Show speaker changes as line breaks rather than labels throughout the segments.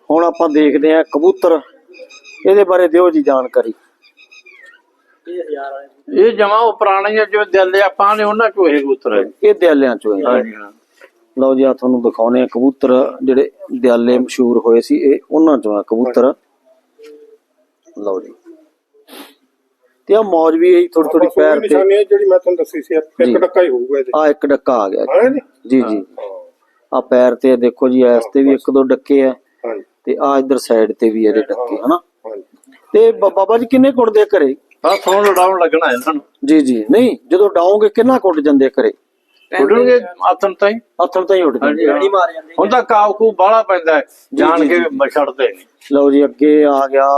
ਹੁਣ ਆਪਾਂ ਦੇਖਦੇ ਆ ਕਬੂਤਰ, ਇਹਦੇ ਬਾਰੇ ਦਿਓ ਜੀ ਜਾਣਕਾਰੀ।
ਇਹ ਜਮਾ ਉਹ ਪੁਰਾਣੇ ਜੋ ਦਿਲ ਆਪਾਂ ਨੇ ਉਹਨਾਂ ਚੋਂ ਇਹ ਕਬੂਤਰ ਹੈ।
ਇਹ ਦਿਆਲਿਆਂ ਚੋਂ ਹੈ। ਲਓ ਜੀ ਆ ਤੁਹਾਨੂੰ ਦਿਖਾਉਣੇ ਆ ਕਬੂਤਰ ਜਿਹੜੇ ਦਿਆਲੇ ਮਸ਼ਹੂਰ ਹੋਏ ਸੀ, ਇਹ ਉਹਨਾਂ ਚੋਂ ਆ ਕਬੂਤਰ। ਲਓ ਜੀ ਤੇ ਆ ਮੌਜ ਵੀ ਹੈ ਥੋੜੀ ਥੋੜੀ ਪੈਰ ਤੇ
ਜਿਹੜੀ ਮੈਂ ਤੁਹਾਨੂੰ ਦੱਸੀ ਸੀ, ਇੱਕ ਡੱਕਾ ਹੀ ਹੋਊਗਾ ਇਹਦੇ।
ਆ ਇੱਕ ਡੱਕਾ ਆ ਗਿਆ ਜੀ ਜੀ। ਆ ਪੈਰ ਤੇ ਦੇਖੋ ਜੀ, ਇਸ ਤੇ ਵੀ ਇੱਕ ਦੋ ਡੱਕੇ ਆ ਤੇ ਆ ਇਧਰ ਸਾਈਡ ਤੇ ਵੀ ਇਹਦੇ ਡੱਕੇ ਹਨਾ। ਤੇ ਬਾਬਾ ਜੀ ਕਿੰਨੇ ਕੁੱਟਦੇ ਘਰੇ?
ਆ ਥੋੜਾ ਲੜਾਉਣ ਲੱਗਣਾ ਇਹਨਾਂ ਨੂੰ
ਜੀ ਜੀ। ਨਹੀਂ ਜਦੋਂ ਡਾਉਂਗੇ ਕਿੰਨਾ ਕੁੱਟ ਜਾਂਦੇ ਘਰੇ?
ਉੱਡਣਗੇ ਆਥਣ ਤਾਂ ਹੀ
ਉੱਡ ਜਾਂਦੇ।
ਹੁਣ ਤਾਂ ਕਾਵ ਕੂ ਬਾਹਲਾ ਪੈਂਦਾ ਜਾਣ ਕੇ ਛੱਡਦੇ ਨਹੀਂ।
ਲਓ ਜੀ ਅੱਗੇ ਆ ਗਿਆ।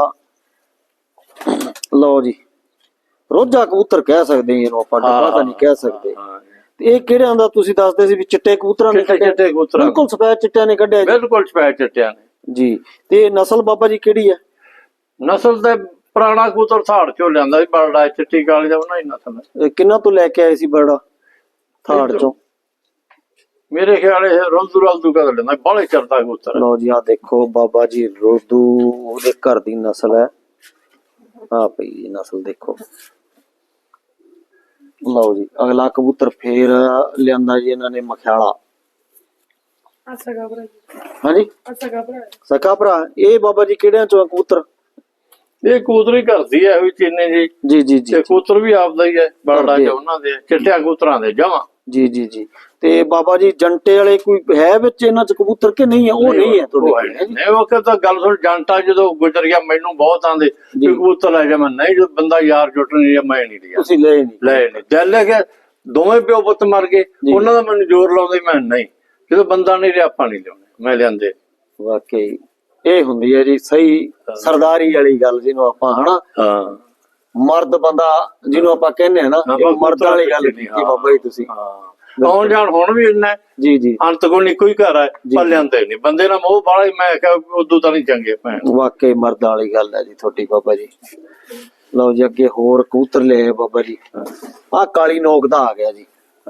ਲਓ ਜੀ ਰੋਜਾ ਕਬੂਤਰ ਕਹਿ ਸਕਦੇ ਇਹਨੂੰ ਆਪਾਂ, ਡੱਬਾ ਤਾਂ ਨਹੀਂ ਕਹਿ ਸਕਦੇ। ਤੇ ਇਹ ਕਿਹੜਿਆਂ ਦਾ ਤੁਸੀਂ ਦੱਸਦੇ ਸੀ ਵੀ ਚਿੱਟੇ ਕਬੂਤਰਾਂ ਨੇ?
ਚਿੱਟੇ ਕਬੂਤਰ
ਬਿਲਕੁਲ ਸਫੈਦ ਚਿੱਟਿਆਂ ਨੇ ਕੱਢਿਆ?
ਬਿਲਕੁਲ ਸਫੈਦ ਚਿੱਟਿਆਂ ਨੇ
ਜੀ। ਤੇ ਨਸਲ ਬਾਬਾ ਜੀ ਕਿਹੜੀ ਹੈ?
ਨਸਲ ਤੇ ਪੁਰਾਣਾ ਕਬੂਤਰ ਥਾੜ ਚੋਂ ਲਿਆਂਦਾ ਸੀ, ਬਰੜਾ ਚਿੱਟੀ ਕਾਲੀ ਦਾ ਉਹਨਾਂ ਹੀ ਨਸਲ।
ਕਿੰਨਾ ਤੋਂ ਲੈ ਕੇ ਆਏ ਸੀ ਬਰੜਾ? ਥਾੜ ਚੋਂ
ਮੇਰੇ ਖਿਆਲ ਇਹ ਰੋਜ਼ੂ ਕਦ ਲੈਂਦਾ, ਬਾਹਲੇ ਚਰਦਾ ਕਬੂਤਰ।
ਲਓ ਜੀ ਆ ਦੇਖੋ ਬਾਬਾ ਜੀ ਰੋਦੂ ਉਹਦੇ ਘਰ ਦੀ ਨਸਲ ਹੈ। ਆ ਪਈ ਨਸਲ ਦੇਖੋ। ਲਓ ਜੀ ਅਗਲਾ ਕਬੂਤਰ ਫੇਰ ਲਿਆਂਦਾ ਜੀ ਇਹਨਾਂ ਨੇ ਮਖਿਆਲਾ। ਹਾਂਜੀ ਸਕਾ ਭਰਾ। ਇਹ ਬਾਬਾ ਜੀ ਕਿਹੜਿਆਂ ਚੋਂ ਕਬੂਤਰ?
ਇਹ ਕਬੂਤਰ ਹੀ ਕਰਦੀ ਹੈ ਵੀ ਚੀਨੇ ਜੀ।
ਜੀ ਜੀ ਜੀ।
ਕਬੂਤਰ ਵੀ ਆਪਦਾ ਹੀ ਹੈ, ਬਰੜਾ ਚ ਉਹਨਾਂ ਦੇ ਚਿੱਟਿਆਂ ਕਬੂਤਰਾਂ ਦੇ ਜਮਾਂ।
ਜੀ ਜੀ ਜੀ। ਤੇ ਬਾਬਾ ਜੀ ਜੰਟੇ ਵਾਲੇ ਕੋਈ ਹੈ ਵਿੱਚ ਇਹਨਾਂ ਚ ਕਬੂਤਰ ਕਿ ਨਹੀਂ ਹੈ? ਉਹ ਨਹੀਂ ਹੈ ਤੁਹਾਡੇ?
ਨਹੀਂ ਉਹ ਕਹਿੰਦਾ ਗੱਲ ਸੁਣ, ਜੰਟਾ ਜਦੋਂ ਗੁਜ਼ਰ ਗਿਆ ਮੈਨੂੰ ਬਹੁਤ ਆਂਦੇ ਕਬੂਤਰ ਲੈ ਜਾ। ਮੈਂ ਨਹੀਂ, ਜਦੋਂ ਬੰਦਾ ਯਾਰ ਜੁੱਟ ਨਹੀਂ ਮੈਂ ਨਹੀਂ ਲਿਆ।
ਤੁਸੀਂ ਲੈ ਨਹੀਂ?
ਦਿਲ ਲੈ ਗਿਆ, ਦੋਵੇਂ ਪਿਓ ਪੁੱਤ ਮਰ ਗਏ, ਉਹਨਾਂ ਦਾ ਮੈਨੂੰ ਜ਼ੋਰ ਲਾਉਂਦੇ, ਮੈਂ ਨਹੀਂ। ਜਦੋਂ ਬੰਦਾ ਨਹੀਂ ਲਿਆ ਆਪਾਂ ਨਹੀਂ ਲਿਆਉਂਦੇ, ਮੈਂ ਲਿਆਂਦੇ।
ਵਾਕਈ ਇਹ ਹੁੰਦੀ ਹੈ ਜੀ ਸਹੀ ਸਰਦਾਰੀ ਵਾਲੀ ਗੱਲ ਜਿਹਨੂੰ ਆਪਾਂ ਹਨਾ।
ਹਾਂ
ਮਰਦ ਬੰਦਾ ਜਿਹਨੂੰ ਆਪਾਂ ਕਹਿੰਦੇ ਆ ਨਾ, ਮਰਦ ਵਾਲੀ ਗੱਲ ਕੀਤੀ ਬਾਬਾ ਜੀ ਤੁਸੀਂ।
ਆਉਣ ਜਾਣ ਹੁਣ ਵੀ ਇੰਨਾ
ਜੀ ਜੀ।
ਅੰਤ ਕੋਲ ਇੱਕੋ ਹੀ ਘਰ ਹੈ, ਪਰ ਲਿਆਂਦੇ ਨਹੀਂ। ਬੰਦੇ ਨਾਲ ਮੋਹ ਬਾਲਾ ਹੀ, ਮੈਂ ਕਿਹਾ ਉਦੋਂ ਤਾਂ ਨਹੀਂ ਚੰਗੇ ਭੈਣ।
ਵਾਕਈ ਮਰਦ ਵਾਲੀ ਗੱਲ ਹੈ ਜੀ ਤੁਹਾਡੀ ਬਾਬਾ ਜੀ। ਲਓ ਜੀ ਅੱਗੇ ਹੋਰ ਕਬੂਤਰ ਲਿਆਏ ਬਾਬਾ ਜੀ। ਆ ਕਾਲੀ ਨੋਕ ਦਾ ਆ ਗਿਆ ਜੀ।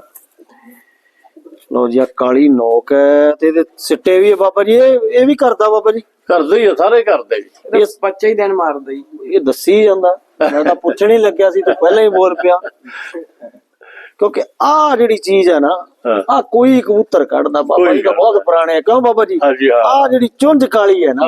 ਲਓ ਜੀ ਆ ਕਾਲੀ ਨੋਕ ਹੈ ਤੇ ਇਹਦੇ ਸਿੱਟੇ ਵੀ ਹੈ ਬਾਬਾ ਜੀ। ਇਹ ਵੀ ਕਰਦਾ ਬਾਬਾ ਜੀ?
ਕਰਦੇ ਹੀ ਆ, ਸਾਰੇ ਕਰਦੇ ਜੀ।
ਇਸ ਬੱਚੇ ਹੀ ਦਿਨ ਮਾਰਦਾ ਜੀ, ਇਹ ਦੱਸੀ ਜਾਂਦਾ। ਮੈਂ ਤਾਂ ਪੁੱਛਣ ਹੀ ਲੱਗਿਆ ਸੀ ਤੇ ਪਹਿਲਾਂ ਹੀ ਬੋਲ ਪਿਆ। ਕਿਉਂਕਿ ਆ ਜਿਹੜੀ ਚੀਜ਼ ਹੈ ਨਾ, ਆ ਕੋਈ ਕਬੂਤਰ ਕੱਢਦਾ ਬਾਬਾ ਜੀ ਦਾ ਬਹੁਤ ਪੁਰਾਣੇ। ਕਿਉਂ ਬਾਬਾ ਜੀ? ਆ ਜਿਹੜੀ ਚੁੰਝ ਕਾਲੀ ਹੈ ਨਾ,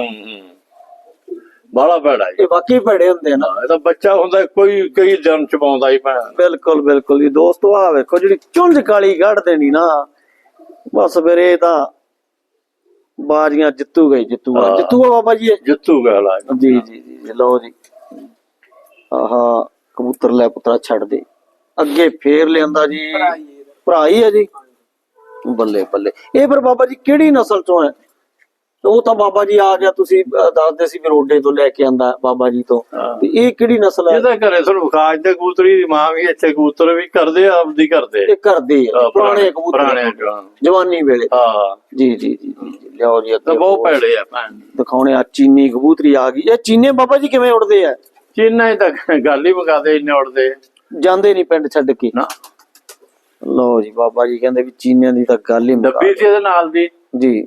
ਬਾਲਾ ਭੈੜਾ ਜੀ।
ਇਹ ਵਾਕਈ ਭੈੜੇ ਹੁੰਦੇ ਨਾ।
ਇਹ ਤਾਂ ਬੱਚਾ ਹੁੰਦਾ ਕੋਈ ਕਈ ਦਿਨ ਚ ਪਾਉਂਦਾ ਹੀ ਭੈਣ।
ਬਿਲਕੁਲ ਬਿਲਕੁਲ ਜੀ ਦੋਸਤੋ। ਆ ਵੇਖੋ ਜਿਹੜੀ ਚੁੰਝ ਕਾਲੀ ਕੱਢ ਦੇਣੀ ਨਾ, ਬਸ ਫਿਰ ਇਹ ਤਾਂ ਬਾਜ਼ੀਆਂ ਜਿੱਤੂਗਾ ਹੀ ਜਿੱਤੂਗਾ ਬਾਬਾ ਜੀ।
ਜਿੱਤੂਗਾ
ਜੀ ਜੀ ਜੀ। ਲਓ ਜੀ ਆਹਾ ਕਬੂਤਰ ਲੈ ਪੁੱਤਰਾ ਛੱਡ ਦੇ। ਅੱਗੇ ਫੇਰ ਲਿਆਂਦਾ ਜੀ ਭਰਾ ਹੀ ਹੈ ਜੀ। ਬੱਲੇ ਬੱਲੇ। ਇਹ ਫਿਰ ਬਾਬਾ ਜੀ ਕਿਹੜੀ ਨਸਲ ਚੋਂ ਹੈ? ਉਹ ਤਾਂ ਬਾਬਾ ਜੀ ਆ ਗਿਆ, ਤੁਸੀਂ ਦੱਸਦੇ ਸੀ ਵੀ ਰੋਡੇ ਤੋਂ ਲੈ ਕੇ ਆਂਦਾ ਬਾਬਾ ਜੀ ਤੋਂ। ਤੇ ਇਹ ਕਿਹੜੀ ਨਸਲ ਹੈ?
ਇਹਦਾ ਘਰੇ ਤੁਹਾਨੂੰ ਖਾਜ ਦੇ ਕਬੂਤਰੀ ਦੀ ਮਾਂ ਵੀ ਇੱਥੇ ਕਬੂਤਰ ਵੀ ਕਰਦੇ ਆ, ਆਪਦੀ ਕਰਦੇ।
ਇਹ ਕਰਦੇ ਆ ਪੁਰਾਣੇ ਕਬੂਤਰ ਜਵਾਨੀ ਵੇਲੇ।
ਹਾਂ
ਜੀ ਜੀ ਜੀ ਜੀ। ਲਿਆਓ ਜੀ ਅੱਗੇ
ਬਹੁਤ ਭੈੜੇ ਆ ਭੈਣ
ਦਿਖਾਉਣੇ ਆ। ਚੀਨੀ ਕਬੂਤਰੀ ਆ ਗਈ। ਇਹ ਚੀਨੇ ਬਾਬਾ ਜੀ ਕਿਵੇਂ ਉੜਦੇ ਆ?
ਚੀਨਾ ਤਾਂ ਗੱਲ ਹੀ ਮੁਕਾਦੇ, ਇੰਨੇ ਉੜਦੇ
ਜਾਂਦੇ ਨਹੀਂ ਪਿੰਡ ਛੱਡ ਕੇ ਨਾ। ਲਓ ਜੀ ਬਾਬਾ ਜੀ ਕਹਿੰਦੇ ਵੀ ਚੀਨਿਆਂ ਦੀ ਤਾਂ ਗੱਲ ਹੀ
ਡੱਬੀ ਸੀ ਇਹਦੇ ਨਾਲ ਦੀ
ਜੀ।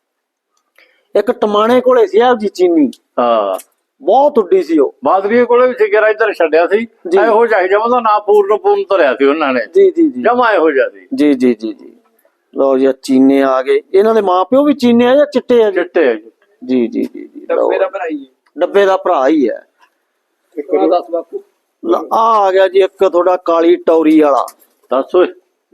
ਇੱਕ ਟਮਾਣੇ ਕੋਲੇ ਸੀ ਆ ਜੀ ਚੀਨੀ।
ਹਾਂ
ਬਹੁਤ ਉੱਡੀ ਸੀ ਉਹ।
ਬਾਦਰੀਏ ਕੋਲੇ ਵੀ ਸਿਗਰਾ ਇੱਧਰ ਛੱਡਿਆ ਸੀ। ਇਹੋ ਜਿਹਾ ਜਮਾ ਦਾ ਨਾਂ ਪੂਰਨ ਧਰਿਆ ਸੀ ਉਹਨਾਂ ਨੇ।
ਜੀ ਜੀ ਜੀ।
ਜਮਾ ਇਹੋ ਜਿਹਾ ਸੀ।
ਜੀ ਜੀ ਜੀ ਜੀ। ਲਓ ਜੀ ਚੀਨੇ ਆ ਗਏ। ਇਹਨਾਂ ਦੇ ਮਾਂ ਪਿਓ ਵੀ ਚੀਨੇ ਆ ਜਾਂ ਚਿੱਟੇ ਆ?
ਚਿੱਟੇ ਆ
ਜੀ ਜੀ ਜੀ ਜੀ।
ਡੱਬੇ ਦਾ ਭਰਾ ਹੀ ਹੈ।
ਡੱਬੇ ਦਾ ਭਰਾ ਹੀ ਹੈ।
ਦੱਸ ਬਾਪੂ।
ਆ ਗਿਆ ਜੀ ਇੱਕ ਤੁਹਾਡਾ ਕਾਲੀ ਟੌਰੀ ਵਾਲਾ।
ਦੱਸ ਓਏ।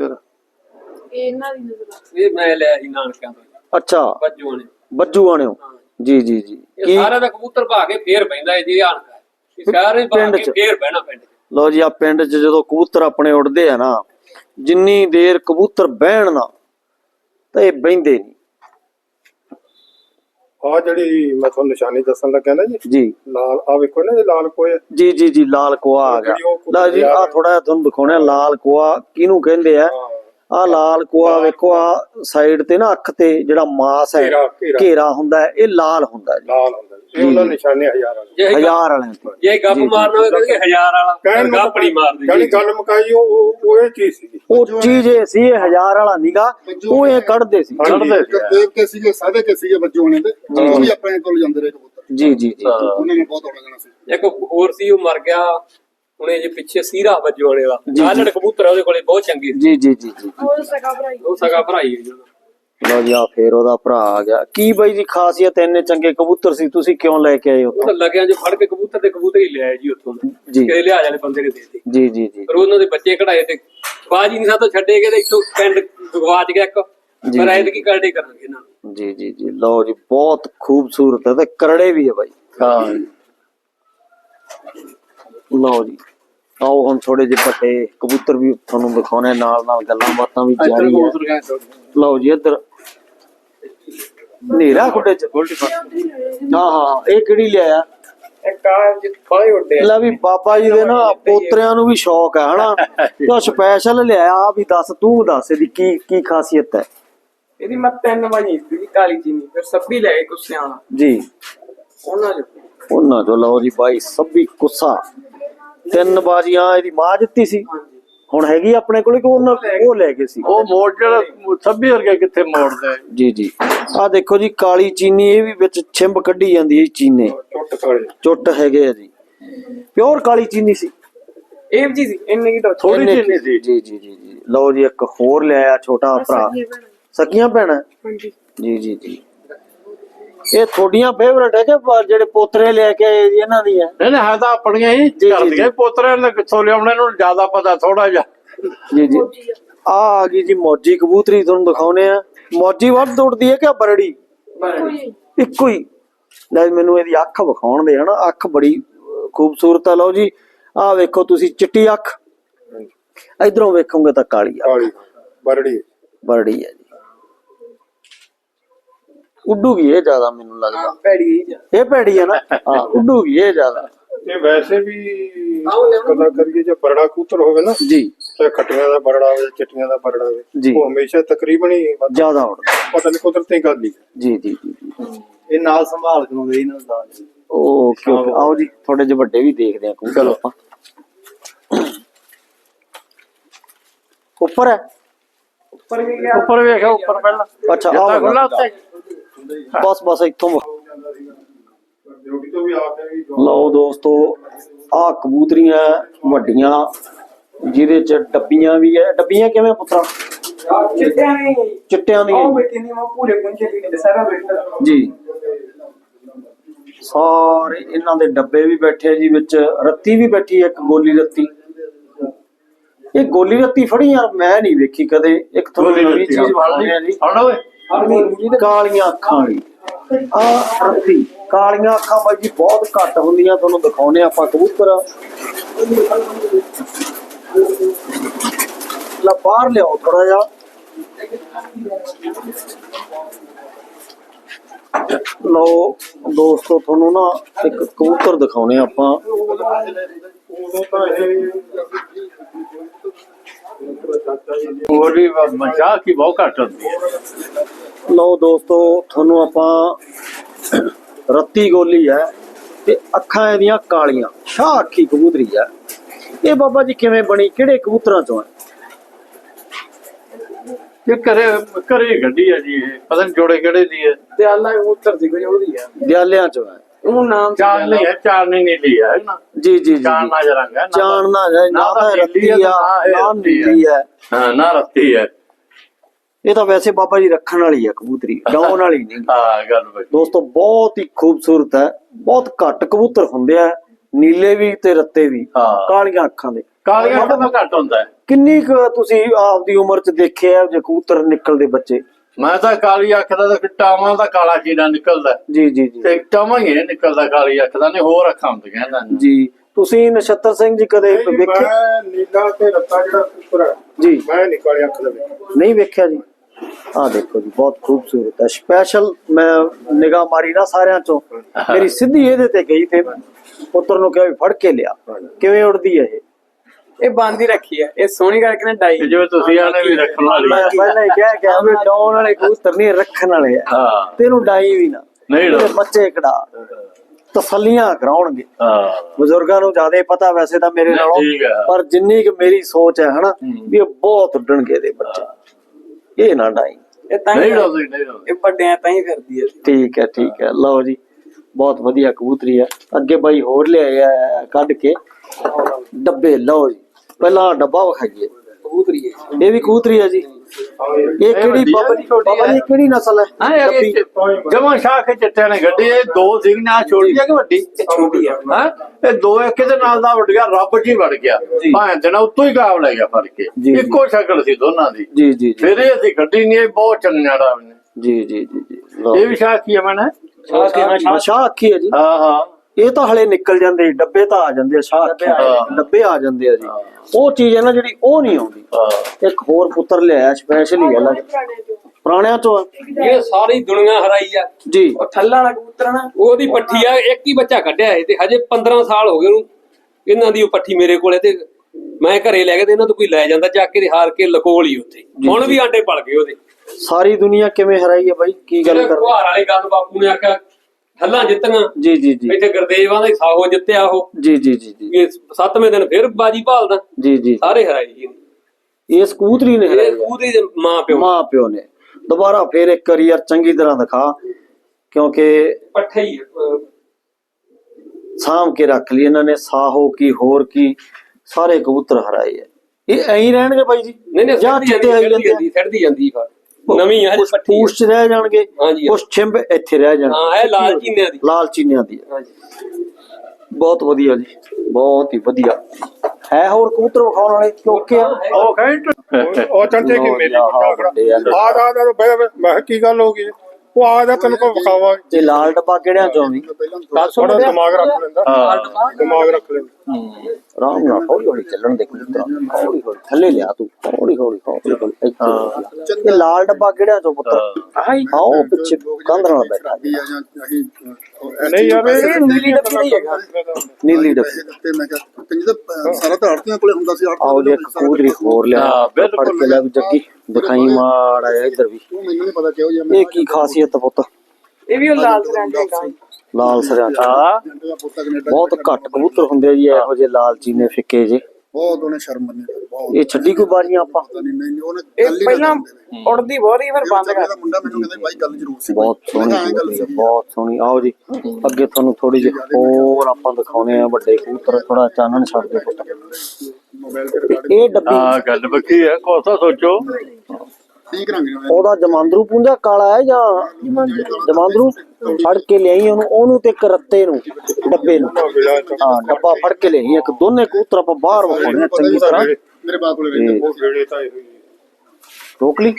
ਇਹਨਾਂ ਦੀ ਨਸਲ ਇਹ ਮੈਂ ਲਿਆ ਸੀ ਨਾਨਕਿਆਂ ਤੋਂ।
ਅੱਛਾ ਬੱਜੂ ਆਣਿਓ। ਜੀ ਜੀ ਜੀ।
ਸਾਰਿਆਂ ਦਾ ਕਬੂਤਰ ਭਾ ਕੇ ਫੇਰ ਬੈਂਦਾ ਇਹਦੀ ਹਾਲ ਹੈ। ਸਾਰੇ ਭਾ ਕੇ ਫੇਰ ਬਹਿਣਾ ਪਿੰਡ ਚ।
ਲਓ ਜੀ ਆ ਪਿੰਡ ਚ ਜਦੋਂ ਕਬੂਤਰ ਆਪਣੇ ਉੱਡਦੇ ਆ ਨਾ, ਜਿੰਨੀ ਦੇਰ ਕਬੂਤਰ ਬਹਿਣ ਨਾ ਤਾਂ ਇਹ ਬਹਿੰਦੇ ਨਹੀਂ।
ਆ ਜਿਹੜੀ ਮੈਂ ਤੁਹਾਨੂੰ ਨਿਸ਼ਾਨੀ ਦੱਸਣ ਲੱਗਾ ਨਾ
ਜੀ
ਲਾਲ, ਆ ਵੇਖੋ ਨਾ ਇਹ ਲਾਲ ਕੋਏ।
ਜੀ ਜੀ ਜੀ। ਲਾਲ ਕੋਆ ਆ ਗਿਆ। ਲਓ ਜੀ ਆ ਥੋੜਾ ਜਿਹਾ ਤੁਹਾਨੂੰ ਦਿਖਾਉਣਾ ਲਾਲ ਕੋਆ ਕਿਹਨੂੰ ਕਹਿੰਦੇ ਆ। ਆ ਲਾਲ ਕੋਆ ਵੇਖੋ, ਆ ਸਾਈਡ ਤੇ ਨਾ ਅੱਖ ਤੇ ਜਿਹੜਾ ਮਾਸ ਹੈ ਘੇਰਾ ਹੁੰਦਾ ਹੈ, ਇਹ ਲਾਲ ਹੁੰਦਾ ਜੀ।
ਲਾਲ ਹੁੰਦਾ ਇਹ ਉਹਨਾਂ ਨਿਸ਼ਾਨੇ 1000 ਵਾਲੇ
ਜੇ
1000 ਵਾਲਿਆਂ ਤੇ
ਜੇ ਗੱਪ ਮਾਰਨਾ ਹੋਵੇ ਕਹਿੰਦੇ 1000 ਵਾਲਾ ਗੱਪ ਨਹੀਂ ਮਾਰਦੇ
ਜਾਨੀ ਗੱਲ ਮੁਕਾਈ ਉਹ ਇਹ ਚੀਜ਼ ਸੀ।
ਉਹ ਚੀਜ਼ ਇਹ ਸੀ, ਇਹ 1000 ਵਾਲਾ ਨੀਗਾ, ਉਹ ਇਹ ਕੱਢਦੇ ਸੀ।
ਦੇਵ ਕੇ ਸੀਗੇ, ਸਾਦੇ ਕੇ ਸੀਗੇ ਬੱਜੂ ਹੋਣੇ ਦੇ, ਉਹ ਵੀ ਆਪਣੇ ਕੋਲ ਜਾਂਦੇ ਰਹੇ ਕਬੂਤਰ।
ਜੀ ਜੀ ਜੀ
ਉਹਨਾਂ ਨੇ ਬਹੁਤ ਔੜਾ ਜਾਣਾ ਸੀ।
ਇੱਕ ਹੋਰ ਸੀ, ਉਹ ਮਰ ਗਿਆ ਹੁਣੇ ਜੇ ਪਿੱਛੇ ਸੀਰਾ ਵੱਜੋਣੇ ਵਾਲਾ ਗਾਲੜ ਕਬੂਤਰ ਉਹਦੇ ਕੋਲੇ ਬਹੁਤ ਚੰਗੀ ਸੀ।
ਜੀ ਜੀ ਜੀ ਜੀ
ਉਹ ਸਗਾ ਭਰਾਈ ਹੈ ਜੀ ਉਹਦਾ।
ਲਓ ਜੀ, ਆ ਫੇਰ ਉਹਦਾ ਭਰਾ ਆ ਗਿਆ। ਕੀ ਬਾਈ ਜੀ ਖਾਸੀਅਤ, ਇੰਨੇ ਚੰਗੇ ਕਬੂਤਰ ਸੀ, ਤੁਸੀਂ ਕਿਉਂ ਲੈ ਕੇ ਆਏ
ਉਹ
ਉੱਥੋਂ?
ਤਾਂ ਲੱਗਿਆ ਜੋ ਫੜ ਕੇ ਕਬੂਤਰ ਤੇ ਕਬੂਤਰ ਹੀ ਲਿਆਏ ਜੀ ਉੱਥੋਂ,
ਜੀ
ਕਿਹਦੇ ਲਿਆ ਜਾਣੇ ਬੰਦੇ ਨੇ ਦੇ ਦਿੱਤੇ।
ਜੀ ਜੀ ਜੀ
ਪਰ ਉਹਨਾਂ ਦੇ ਬੱਚੇ ਕਢਾਏ ਤੇ ਬਾਜ ਹੀ ਨਹੀਂ ਸਾਤੋਂ ਛੱਡੇ ਗਏ ਤੇ ਇੱਥੋਂ ਪਿੰਡ ਗਵਾਚ ਗਿਆ ਇੱਕ।
ਜੀ,
ਪਰ ਐਤ ਕੀ ਕਰਦੇ ਕਰਾਂਗੇ ਇਹਨਾਂ ਨੂੰ।
ਜੀ ਜੀ ਜੀ ਲਓ ਜੀ, ਬਹੁਤ ਖੂਬਸੂਰਤ ਹੈ ਤੇ ਕਰੜੇ ਵੀ ਹੈ ਬਾਈ।
ਹਾਂ
ਲਓ ਜੀ, ਆਓ ਹੁਣ ਥੋੜੇ ਜਿਹੇ ਵੱਡੇ ਕਬੂਤਰ ਵੀ ਤੁਹਾਨੂੰ ਦਿਖਾਉਣੇ, ਨਾਲ ਨਾਲ ਗੱਲਾਂ ਬਾਤਾਂ ਵੀ ਜਾਰੀ ਹੈ। ਲਓ ਜੀ, ਇੱਧਰ ਹਨੇਰਾ ਖੁੱਡੇ ਚ ਹਾਂ ਹਾਂ, ਇਹ ਕਿਹੜੀ ਲਿਆਇਆ?
ਇੱਕ ਆ ਜਿੱਥੇ ਬਾਲੇ ਉੱਡੇ
ਲੈ ਵੀ ਬਾਬਾ ਜੀ ਦੇ ਨਾ ਪੋਤਰਿਆਂ ਨੂੰ ਵੀ ਸ਼ੌਕ ਹੈ ਹਨਾ, ਤਾਂ ਸਪੈਸ਼ਲ ਲਿਆਇਆ ਵੀ। ਦੱਸ, ਤੂੰ ਦੱਸ ਇਹਦੀ ਕੀ ਕੀ ਖਾਸੀਅਤ ਹੈ?
ਇਹਦੀ ਮੈਂ 3 ਵਜੇ ਦੀ ਕਾਲੀ ਚੀਨੀ ਫਿਰ ਸੱਬੀ ਲੈ ਕੇ ਕੁੱਸਿਆਂ ਵਾਲਾ
ਜੀ ਉਹਨਾਂ ਚੋਂ। ਲਓ ਜੀ ਬਾਈ, ਸਭੀ ਕੁੱਸਾ 3 ਬਾਜੀਆਂ ਇਹਦੀ ਮਾਂ ਦਿੱਤੀ ਸੀ, ਹੁਣ ਹੈਗੀ ਆਪਣੇ ਕੋਲੇ ਕਿ ਉਹ ਲੈ ਗਏ ਸੀ?
ਉਹ ਮੋੜ ਜਿਹੜਾ ਸੱਭੀ ਵਰਗੇ ਕਿੱਥੇ ਮੋੜਦੇ।
ਜੀ ਜੀ, ਆਹ ਦੇਖੋ ਜੀ, ਕਾਲੀ ਚੀਨੀ, ਇਹ ਵੀ ਵਿੱਚ ਛਿੰਬ ਕੱਢੀ ਜਾਂਦੀ ਹੈ ਚੀਨੇ, ਚੁੱਟ ਹੈਗੇ ਆ ਜੀ, ਪਿਓਰ ਕਾਲੀ ਚੀਨੀ ਸੀ
ਇਹ ਜੀ ਸੀ ਇੰਨੇ ਕੀ
ਥੋੜੀ ਚੀਨੀ ਸੀ।
ਜੀ ਜੀ ਜੀ ਜੀ ਲਓ ਜੀ, ਇੱਕ ਹੋਰ ਲਿਆਇਆ ਛੋਟਾ ਭਰਾ, ਸਕੀਆਂ ਭੈਣਾਂ। ਜੀ ਜੀ ਜੀ, ਇਹ ਤੁਹਾਡੀਆਂ ਫੇਵਰਟ ਹੈ ਕਿ ਜਿਹੜੇ ਪੋਤਰੇ ਲੈ ਕੇ ਆਏ ਜੀ ਇਹਨਾਂ ਦੀਆਂ?
ਨਹੀਂ ਨਹੀਂ, ਹੈ ਤਾਂ ਆਪਣੀਆਂ ਹੀ ਕਰਦੀਆਂ ਪੋਤਰਿਆਂ ਨੇ, ਕਿੱਥੋਂ ਲਿਆਉਣਾ ਇਹਨੂੰ ਜ਼ਿਆਦਾ ਪਤਾ ਥੋੜਾ ਜਿਹਾ।
ਜੀ ਜੀ, ਆ ਗਈ ਜੀ ਮੌਜੀ ਕਬੂਤਰੀ, ਤੁਹਾਨੂੰ ਦਿਖਾਉਨੇ ਆ। ਮੌਜੀ ਵੱਧ ਦੌੜਦੀ ਹੈ ਕਿ ਬਰੜੀ? ਇੱਕੋ ਹੀ। ਲੈ ਮੈਨੂੰ ਇਹਦੀ ਅੱਖ ਵਿਖਾਉਣ ਦੇ ਹਨਾ, ਅੱਖ ਬੜੀ ਖੂਬਸੂਰਤ ਆ। ਲਓ ਜੀ, ਆਹ ਵੇਖੋ ਤੁਸੀਂ, ਚਿੱਟੀ ਅੱਖ, ਇਧਰੋਂ ਵੇਖੋਗੇ ਤਾਂ ਕਾਲੀ ਅੱਖ, ਬਰੜੀ ਹੈ ਜੀ। ਉੱਡੂਗੀ ਇਹ ਜ਼ਿਆਦਾ, ਮੈਨੂੰ ਲੱਗਦਾ ਇਹ ਭੈੜੀ ਹੈ ਨਾ। ਹਾਂ, ਉੱਡੂਗੀ ਇਹ ਜ਼ਿਆਦਾ।
ਇਹ ਵੈਸੇ ਵੀ ਪਤਾ ਕਰੀਏ, ਜੇ ਬਰੜਾ ਕਬੂਤਰ ਹੋਵੇ ਨਾ
ਜੀ,
ਚਾਹੇ ਖੱਟੀਆਂ ਦਾ ਬਰੜਾ ਹੋਵੇ, ਚਿੱਟੀਆਂ ਦਾ ਬਰੜਾ
ਜੀ,
ਹੋਵੇ, ਉਹ ਹਮੇਸ਼ਾ ਤਕਰੀਬਨ ਹੀ
ਜ਼ਿਆਦਾ ਉੱਡਦਾ।
ਪਤਾ ਨਹੀਂ ਕੁਦਰਤੀ ਗੱਲ ਹੀ।
ਜੀ ਜੀ ਜੀ ਜੀ,
ਇਹ ਨਾਲ ਸੰਭਾਲ ਕੇ ਇਹਨਾਂ ਦਾ।
ਓਕੇ ਓਕੇ, ਆਓ ਜੀ, ਥੋੜੇ ਜਿਹੇ ਵੱਡੇ ਵੀ ਦੇਖਦੇ ਆ। ਚਲੋ ਆਪਾਂ ਉੱਪਰ ਹੈ,
ਉੱਪਰ ਵੇਖਿਆ, ਉੱਪਰ ਪਹਿਲਾਂ
ਅੱਛਾ
ਜਿੱਦਾਂ ਖੁੱਲਾ ਉੱਤੇ।
ਬਸ ਬਸ ਇੱਥੋਂ।
ਡਿਊਟੀ ਤੋਂ ਵੀ ਆ ਕੇ
ਲਓ ਦੋਸਤੋ, ਆਹ ਕਬੂਤਰੀਆਂ ਵੱਡੀਆਂ, ਜਿਹਦੇ ਚ ਡੱਬੀਆਂ ਵੀ ਹੈ। ਡੱਬੀਆਂ ਕਿਵੇਂ ਪੁੱਤਰਾ? ਚਿੱਟਿਆਂ ਦੀਆਂ ਜੀ, ਸਾਰੇ ਇਹਨਾਂ ਦੇ ਡੱਬੇ ਵੀ ਬੈਠੇ ਜੀ, ਵਿੱਚ ਰੱਤੀ ਵੀ ਬੈਠੀ ਹੈ, ਇੱਕ ਗੋਲੀ ਰੱਤੀ। ਇਹ ਗੋਲੀ ਰੱਤੀ ਫੜੀ ਯਾਰ, ਮੈਂ ਨਹੀਂ ਵੇਖੀ ਕਦੇ। ਇੱਕ ਤੁਹਾਨੂੰ ਨਵੀਂ ਚੀਜ਼ ਬਣਾਉਣੀ ਹੈ ਜੀ, ਕਾਲੀਆਂ ਅੱਖਾਂ ਵਾਲੀ ਆਹ ਰੱਤੀ। ਕਾਲੀਆਂ ਅੱਖਾਂ ਬਾਈ ਜੀ ਬਹੁਤ ਘੱਟ ਹੁੰਦੀਆਂ, ਤੁਹਾਨੂੰ ਦਿਖਾਉਨੇ ਆਪਾਂ ਕਬੂਤਰ। ਲਾ ਬਾਹਰ ਲਿਆਓ ਥੋੜਾ ਜਿਹਾ। ਲਓ ਦੋਸਤੋ, ਤੁਹਾਨੂੰ ਨਾ ਇੱਕ ਕਬੂਤਰ ਦਿਖਾਉਨੇ ਆਪਾਂ।
ਗੋਲੀ ਮਜ਼ਾਕ ਕੀ ਬਹੁਤ ਘੱਟ ਹੁੰਦੀ ਹੈ।
ਲਓ ਦੋਸਤੋ, ਤੁਹਾਨੂੰ ਆਪਾਂ ਰੱਤੀ ਗੋਲੀ ਹੈ ਤੇ ਅੱਖਾਂ ਇਹਦੀਆਂ ਕਾਲੀਆਂ, ਸ਼ਾਹ ਅੱਖੀ ਕਬੂਤਰੀ ਹੈ। ਇਹ ਬਾਬਾ ਜੀ ਕਿਵੇਂ ਬਣੀ, ਕਿਹੜੇ ਕਬੂਤਰਾਂ ਚੋਂ ਹੈ?
ਇਹ ਘਰੇ ਗੱਡੀ ਹੈ ਜੀ, ਇਹ ਪਤਾ ਨਹੀਂ ਜੋੜੇ ਕਿਹੜੇ ਦੀ ਹੈ।
ਦਿਆਲਾ ਕਬੂਤਰ ਦੀ ਕੋਈ ਉਹਦੀ ਆ,
ਦਿਆਲਿਆਂ ਚੋਂ ਹੈ।
ਉਹ ਨਾਮ
ਚਾਂਦਨੀ ਹੈ, ਚਾਂਦਨੀ ਨੀਲੀ ਹੈ ਨਾ।
ਜੀ ਜੀ ਜੀ,
ਚਾਨਣਾ ਜਿਹਾ ਰੰਗ ਹੈ,
ਚਾਨਣਾ ਹੈ, ਨਾ ਤਾਂ ਰੱਤੀ ਆ ਨਾ ਨੀਲੀ ਹੈ।
ਹਾਂ, ਨਾ ਰੱਤੀ ਹੈ।
ਇਹ ਤਾਂ ਵੈਸੇ ਬਾਬਾ ਜੀ ਰੱਖਣ ਵਾਲੀ ਹੈ ਕਬੂਤਰੀ, ਡਾਉਣ ਵਾਲੀ ਨਹੀਂ।
ਹਾਂ, ਗੱਲ ਬਈ
ਦੋਸਤੋ, ਬਹੁਤ ਹੀ ਖੂਬਸੂਰਤ ਹੈ। ਬਹੁਤ ਘੱਟ ਕਬੂਤਰ ਹੁੰਦੇ ਆ, ਨੀਲੇ ਵੀ ਤੇ ਰੱਤੇ ਵੀ,
ਹਾਂ।
ਕਾਲੀਆਂ ਅੱਖਾਂ ਦੇ।
ਕਾਲੀਆਂ ਅੱਖਾਂ ਤਾਂ ਘੱਟ ਹੁੰਦਾ ਹੈ।
ਕਿੰਨੀ ਕੁ ਤੁਸੀਂ ਆਪਦੀ ਉਮਰ ਚ ਦੇਖੇ ਆ ਜੇ ਕਬੂਤਰ ਨਿਕਲਦੇ ਬੱਚੇ?
ਮੈਂ ਤਾਂ ਕਾਲੀ ਅੱਖ ਦਾ ਤਾਂ ਟਾਵਾਂ ਦਾ ਕਾਲਾ ਚੀੜਾ ਨਿਕਲਦਾ
ਜੀ ਜੀ ਜੀ
ਤੇ ਟਾਵਾਂ ਹੀ ਨਿਕਲਦਾ ਕਾਲੀ ਅੱਖ ਦਾ, ਨਹੀਂ ਹੋਰ ਅੱਖਾਂ ਹੁੰਦੀਆਂ ਇਹਨਾਂ ਦੀਆਂ।
ਜੀ, ਤੁਸੀਂ ਨਛੱਤਰ ਸਿੰਘ ਜੀ ਕਦੇ ਵੇਖੇ?
ਮੈਂ ਨੀਲਾ ਤੇ ਰੱਤਾ ਜਿਹੜਾ ਕਬੂਤਰ ਹੈ
ਜੀ,
ਮੈਂ ਨਿਕਾਲੇ ਅੱਖ ਦਾ ਵੇਖਿਆ।
ਨਹੀਂ ਵੇਖਿਆ ਜੀ? ਆਹ ਦੇਖੋ ਜੀ, ਬਹੁਤ ਖੂਬਸੂਰਤ ਹੈ। ਸਪੈਸ਼ਲ ਮੈਂ ਨਿਗਾਹ ਮਾਰੀ ਨਾ ਸਾਰਿਆਂ ਚੋਂ, ਮੇਰੀ ਸਿੱਧੀ ਇਹਦੇ ਤੇ ਗਈ ਤੇ ਪੁੱਤਰ ਨੂੰ ਕਿਹਾ ਵੀ ਫੜ ਕੇ ਲਿਆ। ਕਿਵੇਂ ਉੜਦੀ ਹੈ
ਇਹ ਬੰਦ ਹੀ ਰੱਖੀ ਆ, ਇਹ ਸੋਹਣੀ ਕਰਕੇ ਨਾ ਡਾਈ।
ਜਿਵੇਂ ਤੁਸੀਂ ਆਨੇ ਵੀ ਰੱਖਣ ਵਾਲੀ
ਮੈਂ ਪਹਿਲਾਂ ਹੀ ਕਿਹਾ ਵੀ ਡਾਉਣ ਵਾਲੇ ਕਬੂਤਰ ਨਹੀਂ, ਰੱਖਣ ਵਾਲੇ ਆ।
ਹਾਂ,
ਤੈਨੂੰ ਡਾਈ ਵੀ ਨਾ,
ਨਹੀਂ
ਇਹਦੇ ਬੱਚੇ ਕਢਾ। ਤਸੱਲੀਆਂ ਕਰਾਉਣਗੇ।
ਹਾਂ
ਬਜ਼ੁਰਗਾਂ ਨੂੰ ਜ਼ਿਆਦਾ ਪਤਾ ਵੈਸੇ ਤਾਂ ਮੇਰੇ ਨਾਲੋਂ,
ਠੀਕ ਹੈ।
ਪਰ ਜਿੰਨੀ ਕਿ ਮੇਰੀ ਸੋਚ ਹੈ ਹਨਾ ਵੀ ਇਹ ਬਹੁਤ ਉੱਡਣਗੇ ਦੇ ਬੱਚੇ, ਇਹ ਨਾ ਡਾਈ।
ਇਹ ਤਾਂ
ਨਹੀਂ
ਹੀ
ਡਰਦੀ ਨਹੀਂ ਡਰਦੀ।
ਇਹ ਵੱਡਿਆਂ ਤਾਂ ਹੀ ਫਿਰਦੀ ਹੈ।
ਠੀਕ ਹੈ ਠੀਕ ਹੈ, ਲਓ ਜੀ ਬਹੁਤ ਵਧੀਆ ਕਬੂਤਰੀ ਹੈ। ਅੱਗੇ ਬਾਈ ਹੋਰ ਲਿਆਏ ਆ ਕੱਢ ਕੇ ਡੱਬੇ। ਲਓ ਜੀ ਪਹਿਲਾਂ ਡੱਬਾ ਵਿਖਾਈਏ।
ਕਬੂਤਰੀ ਹੈ
ਇਹ ਵੀ ਕਬੂਤਰੀ ਹੈ ਜੀ। ਇਹ ਕਿਹੜੀ ਬਾਬਾ ਜੀ, ਬਾਬਾ ਜੀ ਕਿਹੜੀ ਨਸਲ ਹੈ?
ਹਾਂ
ਡੱਬੀ।
ਜਮਾ ਸ਼ਾਹ ਕੇ ਚਿੱਟਿਆਂ ਨੇ ਗੱਡੀ, ਇਹ ਦੋ ਸਿੰਘ ਨਾਲ ਛੋਟੀ ਆ ਕਿ ਵੱਡੀ?
ਇਹ ਛੋਟੀ ਆ।
ਹਾਂ ਇਹ ਦੋ ਇੱਕ ਦੇ ਨਾਲ ਦਾ ਵੱਡ ਗਿਆ, ਰੱਬ ਜੀ ਵੜ ਗਿਆ ਭਾਂ ਤੇ ਨਾ ਉੱਤੋਂ ਹੀ ਕਾਬ ਲੈ ਗਿਆ ਫੜ ਕੇ।
ਜੀ।
ਇੱਕੋ ਸ਼ਕਲ ਸੀ ਦੋਨਾਂ ਦੀ।
ਜੀ ਜੀ ਜੀ
ਫਿਰ ਇਹ ਅਸੀਂ ਗੱਡੀ ਨਹੀਂ, ਇਹ ਬਹੁਤ ਚੰਗਿਆੜਾ ਉਹਨੇ।
ਜੀ ਜੀ ਜੀ ਜੀ ਲਓ।
ਇਹ ਵੀ ਸ਼ਾਹ ਕੀ ਹੈ ਮੈਨੇ?
ਸ਼ਾਹ ਅੱਖੀ ਹੈ ਜੀ।
ਹਾਂ ਹਾਂ
ਇਹ ਤਾਂ ਹਲੇ ਨਿਕਲ ਜਾਂਦੇ, ਡੱਬੇ ਤਾਂ ਆ ਜਾਂਦੇ ਆ, ਸ਼ਾਹ ਡੱਬੇ ਆ ਜਾਂਦੇ ਆ ਜੀ। ਉਹ ਚੀਜ਼ ਹੈ ਨਾ ਜਿਹੜੀ ਉਹ ਨਹੀਂ ਆਉਂਦੀ। ਇੱਕ ਹੋਰ ਪੁੱਤਰ ਲਿਆਇਆ ਸਪੈਸ਼ਲੀ ਅਲੱਗ ਪੁਰਾਣਿਆਂ ਤੋਂ।
ਇਹ ਸਾਰੀ ਦੁਨੀਆ ਹਰਾਈ ਆ
ਜੀ
ਉਹ ਠੱਲਾ ਵਾਲਾ ਕਬੂਤਰ ਨਾ,
ਉਹਦੀ ਪੱਠੀ ਆ, ਇੱਕ ਹੀ ਬੱਚਾ ਕੱਢਿਆ ਹੈ ਤੇ ਹਜੇ 15 ਸਾਲ ਹੋ ਗਏ ਉਹਨੂੰ। ਇਹਨਾਂ ਦੀ ਉਹ ਪੱਠੀ ਮੇਰੇ ਕੋਲੇ ਤੇ ਮੈਂ ਘਰੇ ਲੈ ਕੇ ਤੇ ਇਹਨਾਂ ਤੋਂ ਕੋਈ ਲੈ ਜਾਂਦਾ ਚੱਕ ਕੇ ਹਾਰ ਕੇ ਲਕੋਲ ਹੀ ਉੱਥੇ। ਹੁਣ ਵੀ ਆਂਡੇ ਪਲ ਗਏ ਉਹਦੇ।
ਸਾਰੀ ਦੁਨੀਆ ਕਿਵੇਂ ਹਰਾਈ ਹੈ ਬਾਈ, ਕੀ ਗੱਲ ਕਰ?
ਘੁਹਾਰ ਵਾਲੀ ਗੱਲ ਬਾਪੂ ਨੇ ਆਖਿਆ ਠੱਲਾਂ ਜਿੱਤਣਾ।
ਜੀ ਜੀ ਜੀ
ਇੱਥੇ ਗੁਰਦੇਵਾਂ ਦਾ ਸਾਹੋ ਜਿੱਤਿਆ ਉਹ।
ਜੀ ਜੀ ਜੀ ਜੀ
ਇਹ 7ਵੇਂ ਦਿਨ ਫਿਰ ਬਾਜੀ ਭਾਲਦਾ।
ਜੀ ਜੀ।
ਸਾਰੇ ਹਰਾਈ ਜੀ।
ਇਸ ਕਬੂਤਰੀ ਨੇ
ਇਹ
ਹਰਾਈ ਹੈ।
ਕਬੂਤਰੀ ਦੇ ਮਾਂ ਪਿਓ
ਮਾਂ ਪਿਓ ਨੇ। ਦੁਬਾਰਾ ਫੇਰ ਇੱਕ ਵਾਰੀ ਯਾਰ ਚੰਗੀ ਤਰ੍ਹਾਂ ਦਿਖਾ, ਕਿਉਂਕਿ
ਪੱਠੇ ਹੀ
ਸਾਂਭ ਕੇ ਰੱਖ ਲਈ ਇਹਨਾਂ ਨੇ। ਸਾਹੋ ਕੀ ਹੋਰ ਕੀ ਸਾਰੇ ਕਬੂਤਰ ਹਰਾਏ ਆ। ਇਹ ਐਂ ਹੀ ਰਹਿਣਗੇ ਬਾਈ ਜੀ?
ਨਹੀਂ
ਜਾਂ ਚਿੱਟੇ ਆਈ ਜਾਂਦੇ ਆ?
ਛੱਡਦੀ ਜਾਂਦੀ ਫਿਰ ਨਵੀਂ ਆ
ਕੁਛ
ਪੱਠੀ।
ਪੂਛ ਚ ਰਹਿ ਜਾਣਗੇ,
ਹਾਂਜੀ।
ਕੁਛ ਛਿੰਬ ਇੱਥੇ ਰਹਿ ਜਾਣਗੇ।
ਹਾਂ ਇਹ ਲਾਲ ਚੀਨਿਆਂ ਦੀ।
ਲਾਲ ਚੀਨਿਆਂ ਦੀ ਹੈ।
ਹਾਂਜੀ
ਬਹੁਤ ਵਧੀਆ ਜੀ, ਬਹੁਤ ਹੀ ਵਧੀਆ ਹੈ। ਹੋਰ ਕਬੂਤਰ ਵਿਖਾਉਣ ਵਾਲੇ ਓਕੇ ਆ?
ਉਹ ਕਹਿੰਟ
ਉਹ ਚੰਦੇ ਕਿ ਮੇਰੀ
ਵੱਡੇ ਆ।
ਆ ਮੈਂ ਕੀ ਗੱਲ ਹੋ ਗਈ? ਉਹ ਆ ਜਾ ਤੈਨੂੰ ਕੋ ਵਿਖਾਵਾ।
ਤੇ ਲਾਲ ਡੱਬਾ ਕਿਹੜਿਆਂ ਚੋਂ ਵੀ?
ਥੋੜਾ ਦਿਮਾਗ ਰੱਖ ਲੈਂਦਾ, ਦਿਮਾਗ ਰੱਖ ਲੈਂਦਾ।
ਆਰਾਮ ਨਾਲ ਹੌਲੀ ਹੌਲੀ ਚੱਲਣ ਦੇ ਕਬੂਤਰ। ਹੌਲੀ ਹੌਲੀ ਥੱਲੇ ਲਿਆ ਤੂੰ, ਹੌਲੀ ਹੌਲੀ ਹੌਲੀ ਹੌਲੀ ਇੱਥੇ। ਇਹ ਲਾਲ ਡੱਬਾ ਕਿਹੜਿਆਂ ਚੋਂ ਪੁੱਤਰ? ਆਓ ਪਿੱਛੇ ਕੰਧ ਨਾਲ ਬੈਠਾ।
ਨਹੀਂ ਯਾਰ
ਇਹ ਨੀਲੀ ਡੱਬੀ ਨਹੀਂ ਹੈਗਾ।
ਨੀਲੀ ਡੱਬੀ।
ਤੇ ਮੈਂ ਕਿਹਾ ਤੇ ਜਿਹਦਾ ਸਾਰਾ ਤਾਂ ਆੜਤੀਆਂ ਕੋਲੇ ਹੁੰਦਾ ਸੀ।
ਆਓ ਜੀ ਇੱਕ ਕਬੂਤਰੀ ਹੋਰ ਲਿਆ।
ਹਾਂ, ਬਿਲਕੁਲ।
ਫੜ ਕੇ ਲੈ ਵੀ ਜੱਗੀ ਦਿਖਾਈ ਮਾੜਾ ਜਿਹਾ ਇੱਧਰ ਵੀ।
ਉਹ ਮੈਨੂੰ ਨਹੀਂ ਪਤਾ ਕਿਹੋ ਜਿਹਾ।
ਇਹ ਕੀ ਖਾਸੀਅਤ ਪੁੱਤ?
ਇਹ ਵੀ ਉਹ ਲਾਲ ਰੰਗ ਹੈਗਾ।
ਲਾਲ ਸਰਿਆਂ ਚ
ਦਾ ਪੋਤਾ ਕੈਨੇਡਾ
ਬਹੁਤ ਘੱਟ ਕਬੂਤਰ ਹੁੰਦੇ ਜੀ ਇਹੋ ਜਿਹੇ ਲਾਲ ਚੀਨੇ ਫਿੱਕੇ ਜੇ।
ਬਹੁਤ ਉਹਨੇ ਸ਼ਰਮ ਮੰਨੀ, ਬਹੁਤ
ਇਹ ਛੱਡੀ ਕੋਈ ਬਾਰੀਆਂ ਆਪਾਂ?
ਪਤਾ ਨਹੀਂ ਉਹਨੇ
ਇਹ ਪਹਿਲਾਂ ਉੜਦੀ ਬਹੁਤ ਹੀ, ਫਿਰ ਬੰਦ ਕਰ।
ਦਾ ਮੁੰਡਾ ਮੈਨੂੰ ਕਹਿੰਦਾ ਬਾਈ ਗੱਲ ਜ਼ਰੂਰ ਸੀ।
ਬਹੁਤ ਸੋਹਣੀ ਕਬੂਤਰੀ ਹੈ, ਬਹੁਤ ਸੋਹਣੀ। ਆਓ ਜੀ ਅੱਗੇ ਤੁਹਾਨੂੰ ਥੋੜੀ ਜਿਹੀ ਹੋਰ ਆਪਾਂ ਦਿਖਾਉਣੇ ਆ ਵੱਡੇ ਕਬੂਤਰ। ਥੋੜਾ ਚਾਨਣ ਛੱਡ ਦੇ ਪੁੱਤ।
ਮੋਬਾਈਲ ਤੇ ਰਿਕਾਰਡ
ਇਹ ਡੱਬੀ
ਹਾਂ ਗੱਲ ਬੱਕੀ ਹੈ, ਕੋਸਾ ਸੋਚੋ।
ਠੀਕ ਰੰਗ ਨੇ
ਉਹਦਾ ਜਮਾਂਦਰੂ ਪੁੰਜਾ ਕਾਲਾ ਹੈ ਜਾਂ ਜਮਾਂਦਰੂ? ਫੜ ਕੇ ਲਿਆਈ ਉਹਨੂੰ ਤੇ ਇੱਕ ਰੱਤੇ ਨੂੰ, ਡੱਬੇ ਨੂੰ। ਹਾਂ ਡੱਬਾ ਫੜ ਕੇ ਲਿਆਈ ਇੱਕ। ਦੋਨੇ ਕਬੂਤਰ ਆਪਾਂ ਬਾਹਰ ਵਿਖਾਉਣੇ ਆ ਚੰਗੀ ਤਰ੍ਹਾਂ।
ਮੇਰੇ ਬਾਪ ਕੋਲੇ ਰਹਿੰਦੇ।
ਉਹ ਵੇੜੇ ਤਾਂ ਇਹੋ ਹੀ
ਰੋਕ ਲਈ।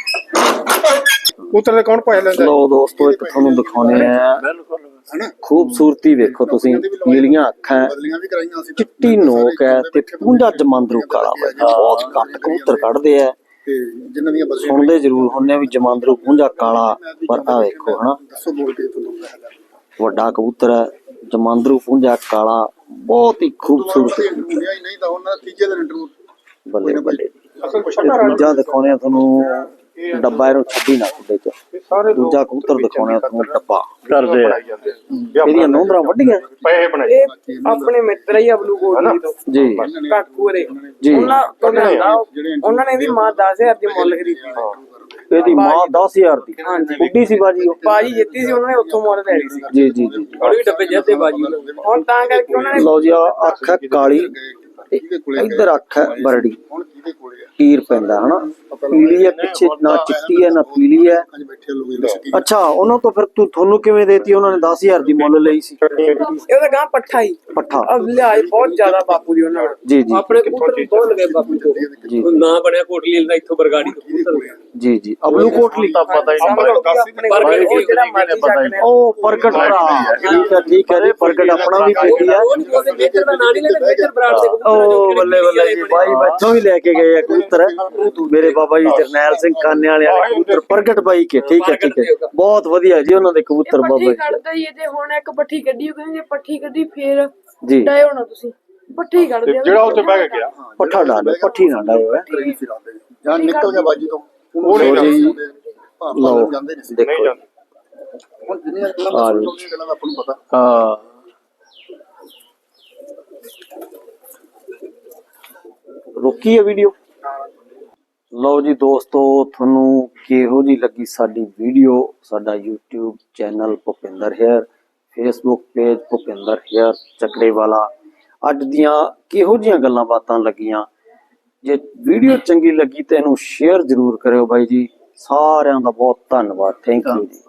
ਕਬੂਤਰ ਦੇ ਕੌਣ ਪਾਇ ਲੈਂਦਾ?
ਲੋ ਦੋਸਤੋ ਇੱਕ ਤੁਹਾਨੂੰ ਦਿਖਾਉਣੇ ਆ।
ਹਨਾ
ਖੂਬਸੂਰਤੀ ਵੇਖੋ ਤੁਸੀਂ। ਨੀਲੀਆਂ ਅੱਖਾਂ,
ਬਦਲੀਆਂ ਵੀ ਕਰਾਈਆਂ ਸੀ।
ਚਿੱਟੀ ਨੋਕ ਹੈ ਤੇ ਪੁੰਜਾ ਜਮਾਂਦਰੂ ਕਾਲਾ ਬਾਈ। ਬਹੁਤ ਘੱਟ ਕਬੂਤਰ ਕੱਢਦੇ ਆ।
ਤੇ ਜਿਨ੍ਹਾਂ ਦੀਆਂ ਬਦਲੀਆਂ
ਸੁਣਦੇ ਜ਼ਰੂਰ ਹੁੰਨੇ ਆ ਵੀ ਜਮਾਂਦਰੂ ਪੁੰਜਾ ਕਾਲਾ, ਪਰ ਆ ਵੇਖੋ ਹਨਾ
ਦੱਸੋ ਬੋਲ ਕੇ ਤੁਹਾਨੂੰ
ਵੱਡਾ ਕਬੂਤਰ ਹੈ। ਜਮਾਂਦਰੂ ਪੁੰਜਾ ਕਾਲਾ, ਬਹੁਤ ਹੀ ਖੂਬਸੂਰਤ।
ਨਹੀਂ ਤਾਂ ਉਹਨਾਂ ਤੀਜੇ ਦਿਨ ਇੰਟਰਵਿਊ
ਬੱਲੇ ਬੱਲੇ। ਦੂਜਾ ਦਿਖਾਉਣੇ ਆ ਤੁਹਾਨੂੰ ਡੱਬਾ। ਇਹਨੂੰ ਛੱਡੀ ਨਾ ਖੁੱਡੇ ਚ। ਦੂਜਾ ਕਬੂਤਰ ਦਿਖਾਉਣੇ ਆ ਤੁਹਾਨੂੰ ਡੱਬਾ।
ਕਰਦੇ ਆ
ਇਹਦੀਆਂ ਨੋਂਦਰਾਂ ਵੱਡੀਆਂ
ਪੈਸੇ ਬਣਾਏ।
ਇਹ ਆਪਣੇ ਮਿੱਤਰ ਹੀ ਅਬਲੂ ਕੋਟਲੀ ਤੋਂ
ਜੀ
ਕਾਕੂ ਰੇ।
ਜੀ।
ਉਹਨਾਂ ਤੋਂ ਲਿਆਂਦਾ। ਉਹਨਾਂ ਨੇ ਇਹਦੀ ਮਾਂ 10,000 ਦੀ ਮੁੱਲ ਖਰੀਦੀ ਸੀ।
ਇਹਦੀ ਮਾਂ 10,000 ਦੀ ਉੱਡੀ ਸੀ ਬਾਜੀ ਉਹ।
ਬਾਜੀ ਜਿੱਤੀ ਸੀ, ਉਹਨਾਂ ਨੇ ਉੱਥੋਂ ਮੁੱਲ ਲੈ ਲਈ ਸੀ।
ਜੀ ਜੀ ਜੀ।
ਵੀ ਡੱਬੇ ਜਿੱਤੇ ਬਾਜੀ
ਹੁਣ ਤਾਂ ਕਰਕੇ ਉਹਨਾਂ ਨੇ
ਲਓ ਜੀ ਆਹ ਅੱਖ ਹੈ ਕਾਲੀ ਤੇ ਇੱਧਰ ਅੱਖ ਹੈ ਬਰੜੀ।
ਹੁਣ ਕਿਹਦੇ ਕੋਲੇ ਆ?
ਕੀਰ ਪੈਂਦਾ ਹਨਾ। ਪੀਲੀ ਹੈ ਪਿੱਛੇ, ਨਾ ਚਿੱਟੀ ਹੈ ਨਾ ਪੀਲੀ ਹੈ।
ਅੱਜ ਬੈਠੇ ਲੋਕ ਇਹਦੇ ਸ਼ਕੀ
ਅੱਛਾ ਉਹਨਾਂ ਤੋਂ ਫਿਰ ਤੁਹਾਨੂੰ ਕਿਵੇਂ ਦੇਤੀ? ਉਹਨਾਂ ਨੇ 10,000 ਦੀ ਮੁੱਲ ਲਈ ਸੀ।
ਇਹਦਾ ਗਾਂ ਪੱਠਾ ਹੀ
ਪੱਠਾ।
ਅਬ ਲਿਆਏ ਬਹੁਤ ਜ਼ਿਆਦਾ ਬਾਪੂ ਦੀ ਉਹਨਾਂ ਨੇ।
ਜੀ ਜੀ
ਆਪਣੇ ਕਬੂਤਰ ਵੀ ਬਹੁਤ ਲਗੇ ਬਾਪੂ ਤੋਂ।
ਜੀ
ਨਾਂ ਬਣਿਆ ਕੋਟਲੀ ਦਾ ਇੱਥੋਂ ਬਰਗਾੜੀ ਤੋਂ ਕਬੂਤਰ।
ਜੀ ਜੀ। ਅਬਲੂ ਕੋਟਲੀ
ਤਾਂ ਪਤਾ ਹੀ
ਸਮਝ ਲਓ ਕਿ ਆਪਣੇ ਕੋਲ ਉਹ ਜਿਹੜਾ ਮਰਜ਼ੀ ਚੱਕ ਲੈ।
ਉਹ ਪ੍ਰਗਟ ਭਰਾ। ਠੀਕ ਹੈ ਜੀ। ਪ੍ਰਗਟ ਆਪਣਾ ਵੀ ਬੇਟੀ ਹੈ।
ਉਹ ਨਹੀਂ ਬੋਲਦੇ ਮੇਜਰ ਦਾ ਨਾਂ ਨਹੀਂ ਲੈਣਾ। ਮੇਜਰ ਬਰਾੜ ਦੇ ਕਬੂਤਰ
ਉਹ ਬੱਲੇ ਬੱਲੇ ਜੀ। ਬਾਈ ਬੱਚੋਂ ਵੀ ਲੈ ਕੇ ਗਏ ਆ ਕਬੂਤਰ। ਮੇਰੇ ਬਾਬਾ ਜੀ ਜਰਨੈਲ ਸਿੰਘ ਕਾਨੇ ਵਾਲੇ ਕਬੂਤਰ ਪ੍ਰਗਟ ਬਾਈ ਕੇ। ਠੀਕ ਹੈ ਠੀਕ ਹੈ। ਬਹੁਤ ਵਧੀਆ ਜੀ ਉਹਨਾਂ ਦੇ ਕਬੂਤਰ ਬਾਬਾ ਜੀ।
ਕੱਢਦਾ ਹੀ ਤੇ ਹੁਣ ਇੱਕ ਪੱਠੀ ਕੱਢੀ, ਕਹਿੰਦੇ ਪੱਠੀ ਕੱਢੀ ਫੇਰ
ਜੀ
ਡਾਏ ਹੋਣਾ ਤੁਸੀਂ। ਪੱਠੀ ਕੱਢਦੇ ਆ
ਜਿਹੜਾ ਉੱਤੇ ਬਹਿ ਕੇ ਗਿਆ
ਪੱਠਾ ਡਾਲੋ, ਪੱਠੀ ਨਾ ਡਾਇਓ ਹੈ।
ਜਾਂ ਨਿਕਲ ਗਿਆ ਬਾਜੀ ਤੋਂ।
ਉਹ ਨਹੀਂ
ਜੀ
ਲਓ ਜਾਂਦੇ ਨਹੀਂ ਸੀ।
ਦੇਖੋ
ਨਹੀਂ ਜਾਂਦੇ।
ਹੁਣ ਜਿੰਨੀਆਂ ਗੱਲਾਂ ਦਾ ਆਪਾਂ ਨੂੰ ਪਤਾ।
ਹਾਂ
ਰੋਕੀ ਹੈ ਵੀਡੀਓ। ਲਓ ਜੀ ਦੋਸਤੋ, ਤੁਹਾਨੂੰ ਕਿਹੋ ਜੀ ਲੱਗੀ ਸਾਡੀ ਵੀਡੀਓ? ਸਾਡਾ YouTube channel Bhupinder Hayer, Facebook page Bhupinder Hayer Chakkarewala. ਅੱਜ ਦੀਆਂ ਕਿਹੋ ਜੀਆਂ ਗੱਲਾਂ ਬਾਤਾਂ ਲੱਗੀਆਂ? ਜੇ ਵੀਡੀਓ ਚੰਗੀ ਲੱਗੀ ਤਾਂ ਇਹਨੂੰ ਸ਼ੇਅਰ ਜ਼ਰੂਰ ਕਰਿਓ ਬਾਈ ਜੀ। ਸਾਰਿਆਂ ਦਾ ਬਹੁਤ ਧੰਨਵਾਦ। ਥੈਂਕ ਯੂ ਜੀ।